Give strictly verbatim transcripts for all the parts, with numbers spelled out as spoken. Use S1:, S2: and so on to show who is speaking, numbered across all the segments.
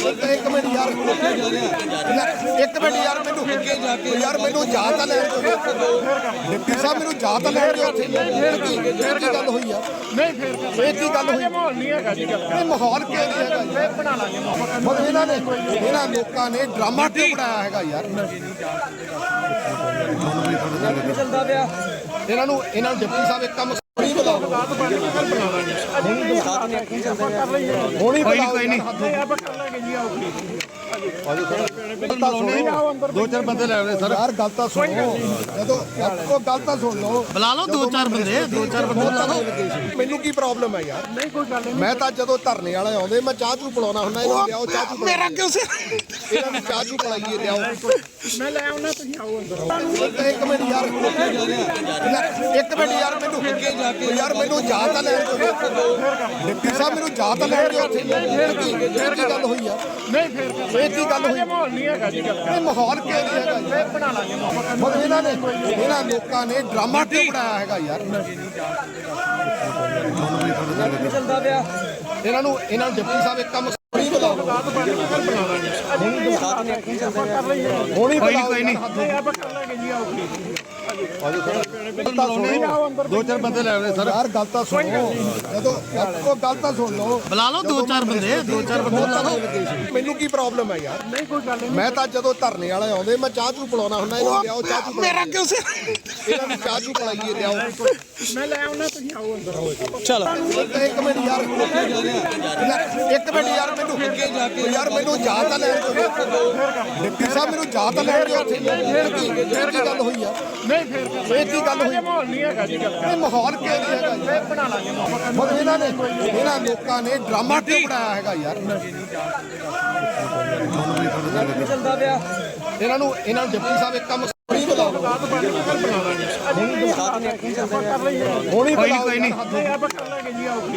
S1: ਇੱਕ ਮਿੰਟ ਯਾਰ ਇੱਕ ਮਿੰਟ ਯਾਰ ਮੈਨੂੰ ਯਾਰ ਮੈਨੂੰ ਜਾ ਤਾਂ ਲੈਣ ਦਿਓ ਡਿਪਟੀ ਸਾਹਿਬ ਮੈਨੂੰ ਜਾ ਤਾਂ ਲੈਣ ਦਿਓ ਉੱਥੇ ਫਿਰ ਕੀ ਫਿਰ ਕੀ ਗੱਲ ਹੋਈ ਆ
S2: ਨਹੀਂ ਫਿਰ
S1: ਇਹ ਕੀ ਗੱਲ ਹੋਈ
S2: ਮਾਹੌਲ ਨਹੀਂ ਹੈਗਾ ਜੀ ਗੱਲ
S1: ਇਹ ਮਾਹੌਲ ਕੀ ਹੈਗਾ
S2: ਫਿਰ ਬਣਾ ਲਾਂਗੇ ਮਾਹੌਲ
S1: ਮਤਲਬ ਇਹਨਾਂ ਨੇ ਇਹਨਾਂ ਲੋਕਾਂ ਨੇ ਡਰਾਮਾ ਕਿਉਂ ਬਣਾਇਆ ਹੈਗਾ ਯਾਰ
S2: ਚੱਲਦਾ ਪਿਆ
S1: ਇਹਨਾਂ ਨੂੰ ਇਹਨਾਂ ਨੂੰ ਡਿਪਟੀ ਸਾਹਿਬ ਇੱਕ ਕੰਮ ਨਹੀਂ ਬੁਲਾਓ ਹੋਣੀ ਬੁਲਾਓ ਕੋਈ ਨਹੀਂ
S2: ਆਪਾਂ ਕਰ ਲਾਂਗੇ ਜੀ ਆਓ
S1: ਦੋ ਚਾਰ ਬੰਦੇ ਲੈ ਆਵੇ ਸਰ ਯਾਰ ਗੱਲ ਤਾਂ ਸੁਣੋ ਜਦੋਂ ਉਹ ਗੱਲ ਤਾਂ ਸੁਣ ਲਓ
S3: ਬੁਲਾ ਲਓ ਦੋ ਚਾਰ ਬੰਦੇ ਦੋ ਚਾਰ ਬੰਦੇ ਬੁਲਾ ਲਓ
S1: ਮੈਨੂੰ ਕੀ ਪ੍ਰੋਬਲਮ ਹੈ ਯਾਰ
S2: ਨਹੀਂ ਕੋਈ ਗੱਲ ਨਹੀਂ
S1: ਮੈਂ ਤਾਂ ਜਦੋਂ ਧਰਨੇ ਵਾਲੇ ਆਉਂਦੇ ਮੈਂ ਚਾਹ ਚੂ ਪਿਲਾਉਣਾ ਹੁੰਦਾ ਇਹਨਾਂ ਲਿਆਓ ਚਾਹ ਚੂ
S3: ਮੇਰਾ ਕਿਉਂ ਸੇ
S1: ਇਹਨਾਂ ਨੂੰ ਚਾਹ ਚੂ ਪਿਲਾਈਏ ਲਿਆਓ
S2: ਮੈਂ ਲੈ ਆਉਣਾ ਤੁਸੀਂ ਆਓ ਅੰਦਰ
S1: ਇੱਕ ਮਿੰਟ ਯਾਰ ਇੱਕ ਮਿੰਟ ਯਾਰ ਮੈਨੂੰ ਯਾਰ ਮੈਨੂੰ ਜਾ ਤਾਂ ਲੈਣ ਦਿਓ ਡਿਪਟੀ ਸਾਹਿਬ ਮੈਨੂੰ ਜਾ ਤਾਂ ਲੈਣ ਦਿਓ ਉੱਥੇ ਫਿਰ ਕੀ ਫਿਰ ਕੀ ਗੱਲ ਹੋਈ ਆ
S2: ਨਹੀਂ ਫਿਰ
S1: ਇਹ ਕੀ ਗੱਲ ਹੋਈ
S2: ਮਾਹੌਲ ਨਹੀਂ ਹੈਗਾ ਜੀ ਗੱਲ
S1: ਇਹ ਮਾਹੌਲ ਕੀ ਹੈਗਾ
S2: ਫਿਰ ਬਣਾ ਲਾਂਗੇ ਮਾਹੌਲ
S1: ਮਤਲਬ ਇਹਨਾਂ ਨੇ ਇਹਨਾਂ ਲੋਕਾਂ ਨੇ ਡਰਾਮਾ ਕਿਉਂ ਬਣਾਇਆ ਹੈਗਾ ਯਾਰ
S2: ਚੱਲਦਾ ਪਿਆ
S1: ਇਹਨਾਂ ਨੂੰ ਇਹਨਾਂ ਨੂੰ ਡਿਪਟੀ ਸਾਹਿਬ ਇੱਕ ਕੰਮ ਨਹੀਂ ਬੁਲਾਓ ਹੋਣੀ ਬੁਲਾਓ
S3: ਕੋਈ ਨਹੀਂ
S2: ਆਪਾਂ ਕਰ ਲਾਂਗੇ ਜੀ ਆਓ
S1: ਦੋ ਚਾਰ ਬੰਦੇ ਲੈ ਆਵੇ ਸਰ ਯਾਰ ਗੱਲ ਤਾਂ ਸੁਣੋ ਜਦੋਂ ਉਹ ਗੱਲ ਤਾਂ ਸੁਣ ਲਓ
S3: ਬੁਲਾ ਲਓ ਦੋ ਚਾਰ ਬੰਦੇ ਦੋ ਚਾਰ ਬੰਦੇ ਬੁਲਾ ਲਓ
S1: ਮੈਨੂੰ ਕੀ ਪ੍ਰੋਬਲਮ ਹੈ ਯਾਰ
S2: ਨਹੀਂ ਕੋਈ ਗੱਲ ਨਹੀਂ
S1: ਮੈਂ ਤਾਂ ਜਦੋਂ ਧਰਨੇ ਵਾਲੇ ਆਉਂਦੇ ਮੈਂ ਚਾਹ ਚੂ ਪਿਲਾਉਣਾ ਹੁੰਦਾ ਇਹਨਾਂ ਲਿਆਓ ਚਾਹ ਚੂ
S3: ਮੇਰਾ ਕਿਉਂ ਸੇ
S1: ਇਹਨਾਂ ਨੂੰ ਚਾਹ ਚੂ ਪਿਲਾਈਏ ਲਿਆਓ
S2: ਮੈਂ ਲੈ ਆਉਣਾ ਤੁਸੀਂ ਆਓ ਅੰਦਰ
S3: ਚਲੋ
S1: ਇੱਕ ਮਿੰਟ ਯਾਰ ਇੱਕ ਮਿੰਟ ਯਾਰ ਮੈਨੂੰ ਯਾਰ ਮੈਨੂੰ ਜਾ ਤਾਂ ਲੈਣ ਦਿਓ ਡਿਪਟੀ ਸਾਹਿਬ ਮੈਨੂੰ ਜਾ ਤਾਂ ਲੈਣ ਦਿਓ ਉੱਥੇ ਫਿਰ ਕੀ ਫਿਰ ਕੀ ਗੱਲ ਹੋਈ ਆ
S2: ਨਹੀਂ ਫਿਰ
S1: ਇਹ ਕੀ ਗੱਲ ਹੋਈ
S2: ਮਾਹੌਲ ਨਹੀਂ ਹੈਗਾ ਜੀ ਗੱਲ
S1: ਇਹ ਮਾਹੌਲ ਕੀ ਹੈਗਾ
S2: ਫਿਰ ਬਣਾ ਲਾਂਗੇ ਮਾਹੌਲ
S1: ਮਤਲਬ ਇਹਨਾਂ ਨੇ ਇਹਨਾਂ ਲੋਕਾਂ ਨੇ ਡਰਾਮਾ ਕਿਉਂ ਬਣਾਇਆ ਹੈਗਾ ਯਾਰ
S2: ਚੱਲਦਾ ਪਿਆ
S1: ਇਹਨਾਂ ਨੂੰ ਇਹਨਾਂ ਨੂੰ ਡਿਪਟੀ ਸਾਹਿਬ ਇੱਕ ਕੰਮ ਨਹੀਂ ਬੁਲਾਓ ਹੋਣੀ
S3: ਕੋਈ ਕੋਈ ਨਹੀਂ
S2: ਆਪਾਂ ਕਰ ਲਾਂਗੇ ਜੀ ਆਓ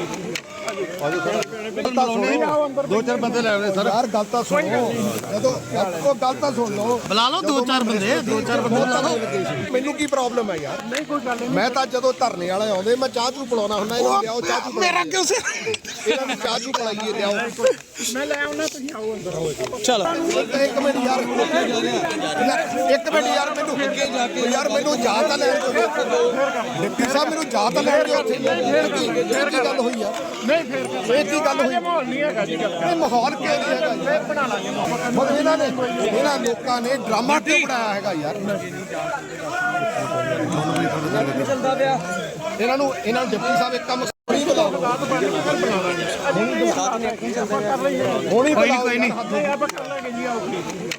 S1: ਦੋ ਚਾਰ ਬੰਦੇ ਲੈ ਆਵੇ ਸਰ ਯਾਰ ਗੱਲ ਤਾਂ ਸੁਣੋ ਜਦੋਂ ਉਹ ਗੱਲ ਤਾਂ ਸੁਣ ਲਓ
S3: ਬੁਲਾ ਲਓ ਦੋ ਚਾਰ ਬੰਦੇ ਦੋ ਚਾਰ ਬੰਦੇ ਬੁਲਾ ਲਓ
S1: ਮੈਨੂੰ ਕੀ ਪ੍ਰੋਬਲਮ ਹੈ ਯਾਰ
S2: ਨਹੀਂ ਕੋਈ ਗੱਲ ਨਹੀਂ
S1: ਮੈਂ ਤਾਂ ਜਦੋਂ ਧਰਨੇ ਵਾਲੇ ਆਉਂਦੇ ਮੈਂ ਚਾਹ ਚੂ ਪਿਲਾਉਣਾ ਹੁੰਦਾ ਇਹਨਾਂ ਲਿਆਓ ਚਾਹ ਚੂ
S3: ਮੇਰਾ ਕਿਉਂ ਸੇ
S1: ਇਹਨਾਂ ਨੂੰ ਚਾਹ ਚੂ ਪਿਲਾਈਏ ਲਿਆਓ
S2: ਮੈਂ ਲੈ ਆਉਣਾ ਤੁਸੀਂ ਆਓ ਅੰਦਰ
S3: ਚਲੋ
S1: ਇੱਕ ਮਿੰਟ ਯਾਰ ਇੱਕ ਮਿੰਟ ਯਾਰ ਮੈਨੂੰ ਯਾਰ ਮੈਨੂੰ ਜਾ ਤਾਂ ਲੈਣ ਦਿਓ ਡਿਪਟੀ ਸਾਹਿਬ ਮੈਨੂੰ ਜਾ ਤਾਂ ਲੈਣ ਦਿਓ ਉੱਥੇ ਫਿਰ ਕੀ ਫਿਰ ਕੀ ਗੱਲ ਹੋਈ ਆ
S2: ਨਹੀਂ ਫਿਰ
S1: ਇਹ ਕੀ ਗੱਲ ਹੋਈ
S2: ਮਾਹੌਲ ਨਹੀਂ ਹੈਗਾ ਜੀ ਗੱਲ
S1: ਇਹ ਮਾਹੌਲ ਕੀ ਹੈਗਾ
S2: ਫਿਰ ਬਣਾ ਲਾਂਗੇ ਮਾਹੌਲ
S1: ਮਤਲਬ ਇਹਨਾਂ ਨੇ ਇਹਨਾਂ ਲੋਕਾਂ ਨੇ ਡਰਾਮਾ ਕਿਉਂ ਬਣਾਇਆ ਹੈਗਾ ਯਾਰ
S2: ਚੱਲਦਾ ਪਿਆ
S1: ਇਹਨਾਂ ਨੂੰ ਇਹਨਾਂ ਨੂੰ ਡਿਪਟੀ ਸਾਹਿਬ ਇੱਕ ਕੰਮ ਨਹੀਂ ਬੁਲਾਓ ਹੋਣੀ ਬੁਲਾਓ
S3: ਕੋਈ ਨਹੀਂ
S2: ਆਪਾਂ ਕਰ ਲਾਂਗੇ ਜੀ ਆਓ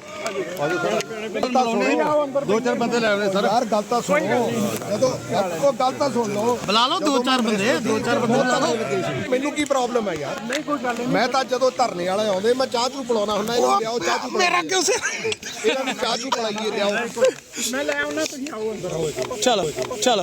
S1: ਦੋ ਚਾਰ ਬੰਦੇ ਲੈ ਆਵੇ ਸਰ ਯਾਰ ਗੱਲ ਤਾਂ ਸੁਣੋ ਜਦੋਂ ਉਹ ਗੱਲ ਤਾਂ ਸੁਣ ਲਓ
S3: ਬੁਲਾ ਲਓ ਦੋ ਚਾਰ ਬੰਦੇ ਦੋ ਚਾਰ ਬੰਦੇ ਬੁਲਾ ਲਓ
S1: ਮੈਨੂੰ ਕੀ ਪ੍ਰੋਬਲਮ ਹੈ ਯਾਰ
S2: ਨਹੀਂ ਕੋਈ ਗੱਲ ਨਹੀਂ
S1: ਮੈਂ ਤਾਂ ਜਦੋਂ ਧਰਨੇ ਵਾਲੇ ਆਉਂਦੇ ਮੈਂ ਚਾਹ ਚੂ ਪਿਲਾਉਣਾ ਹੁੰਦਾ ਇਹਨਾਂ ਲਿਆਓ ਚਾਹ ਚੂ
S3: ਮੇਰਾ ਕਿਉਂ ਸੇ
S1: ਇਹਨਾਂ ਨੂੰ ਚਾਹ ਚੂ ਪਿਲਾਈਏ ਲਿਆਓ
S2: ਮੈਂ ਲੈ ਆਉਣਾ ਤੁਸੀਂ ਆਓ ਅੰਦਰ
S3: ਚਲੋ ਚਲੋ